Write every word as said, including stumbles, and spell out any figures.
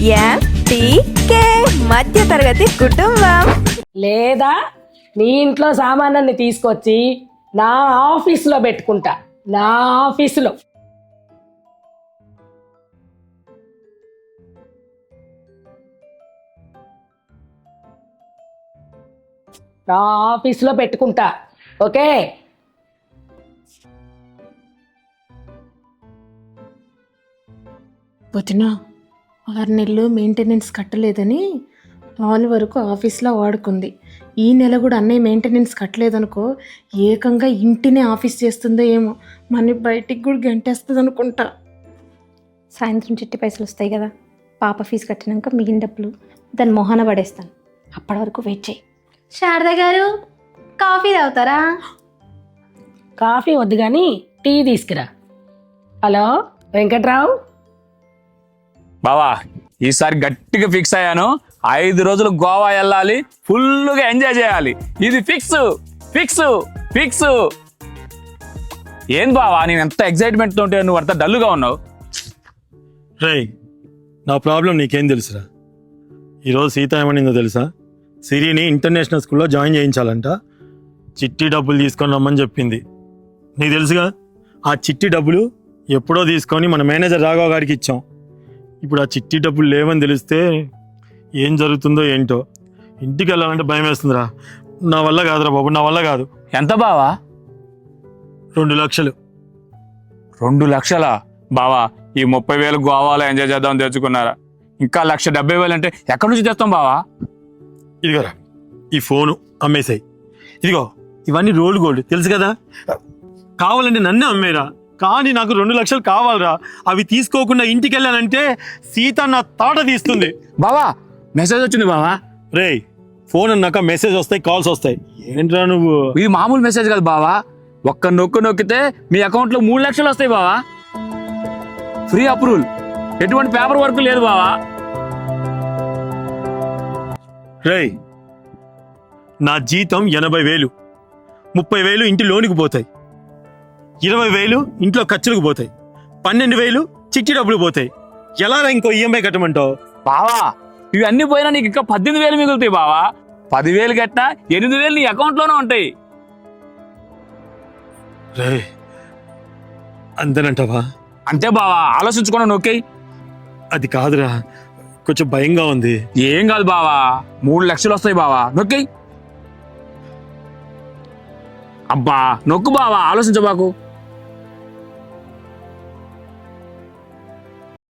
MTK మధ్య తరగతి కుటుంబం. లేదా నీ ఇంట్లో సామానాన్ని తీసుకొచ్చి నా ఆఫీసులో పెట్టుకుంటా. నా ఆఫీసులో నా ఆఫీసులో పెట్టుకుంటా. ఓకే? వదినా, ఆరు నెలలు మెయింటెనెన్స్ కట్టలేదని నాలుగు వరకు ఆఫీస్లో వాడుకుంది. ఈ నెల కూడా అన్నయ్య మెయింటెనెన్స్ కట్టలేదనుకో, ఏకంగా ఇంటినే ఆఫీస్ చేస్తుందో ఏమో, మన బయటికి కూడా గంటేస్తుంది అనుకుంటా. సాయంత్రం చిట్టి పైసలు వస్తాయి కదా, పాప ఫీజు కట్టినాక మిగిలిన డబ్బులు దాని మొహాన పడేస్తాను. అప్పటి వరకు వెయిట్ చేయి. శారద గారు, కాఫీ తాగుతారా? కాఫీ వద్దు కానీ టీ తీసుకురా. హలో వెంకట్రావు. బావా, ఈసారి గట్టిగా ఫిక్స్ అయ్యాను. ఐదు రోజులు గోవా వెళ్ళాలి, ఫుల్గా ఎంజాయ్ చేయాలి. ఇది ఫిక్స్ ఫిక్స్ ఫిక్స్. ఏం బావా, నేను ఎంత ఎక్సైట్మెంట్తో ఉంటే నువ్వు అంత డల్గా ఉన్నావు? రే, నా ప్రాబ్లం నీకేం తెలుసురా? ఈరోజు సీత ఏమనిందో తెలుసా? సిరిని ఇంటర్నేషనల్ స్కూల్లో జాయిన్ చేయించాలంట. చిట్టి డబ్బులు తీసుకొని రమ్మని చెప్పింది. నీకు తెలుసుగా, ఆ చిట్టి డబ్బులు ఎప్పుడో తీసుకొని మన మేనేజర్ రాఘవ గారికి ఇచ్చాం. ఇప్పుడు ఆ చిట్టి డబ్బులు లేవని తెలిస్తే ఏం జరుగుతుందో ఏంటో. ఇంటికి వెళ్ళాలంటే భయం వేస్తుందిరా. నా వల్ల కాదురా బాబు, నా వల్ల కాదు. ఎంత బావా? రెండు లక్షలు. రెండు లక్షలా? బావా, ఈ ముప్పై వేలు గోవాలో ఎంజాయ్ చేద్దామని తెచ్చుకున్నారా? ఇంకా లక్ష డెబ్బై వేలు అంటే ఎక్కడి నుంచి తెస్తాం బావా? ఇదిగోరా, ఈ ఫోను అమ్మేసాయి. ఇదిగో, ఇవన్నీ రోల్డ్ గోల్డ్ తెలుసు కదా. కావాలంటే నన్నే అమ్మేరా, కానీ నాకు రెండు లక్షలు కావాలరా. అవి తీసుకోకుండా ఇంటికి వెళ్ళానంటే సీత నా తాట తీస్తుంది. బావా, మెసేజ్ వచ్చింది బావా. రే, ఫోన్ అన్నాక మెసేజ్ వస్తాయి, కాల్స్ వస్తాయి. ఏంట్రా నువ్వు? ఇది మామూలు మెసేజ్ కాదు బావా. ఒక్క నొక్కు నొక్కితే మీ అకౌంట్లో మూడు లక్షలు వస్తాయి బావా. ఫ్రీ అప్రూవల్, ఎటువంటి పేపర్ వర్క్ లేదు బావా. రే, నా జీతం ఎనభై వేలు. ముప్పై వేలు ఇంటి లోనికి పోతాయి, ఇరవై వేలు ఇంట్లో ఖర్చులకు పోతాయి, పన్నెండు వేలు చిట్టి డబ్బులు పోతాయి. ఎలా ఇంకో ఈఎంఐ కట్టమంటావు? బావా, ఇవి అన్ని పోయినా నీకు ఇంకా పద్దెనిమిది వేలు మిగులుతాయి బావా. పదివేలు కట్టినా ఎనిమిది వేలు నీ అకౌంట్లోనే ఉంటాయి. రే, అంతేనంటావా? అంతే బావా, ఆలోచించుకున్నా నొక్కి. అది కాదురా, కొంచెం భయంగా ఉంది. ఏం కాదు బావా, మూడు లక్షలు వస్తాయి బావా, నొక్కి. అబ్బా నొక్కు బావా, ఆలోచించబాకు.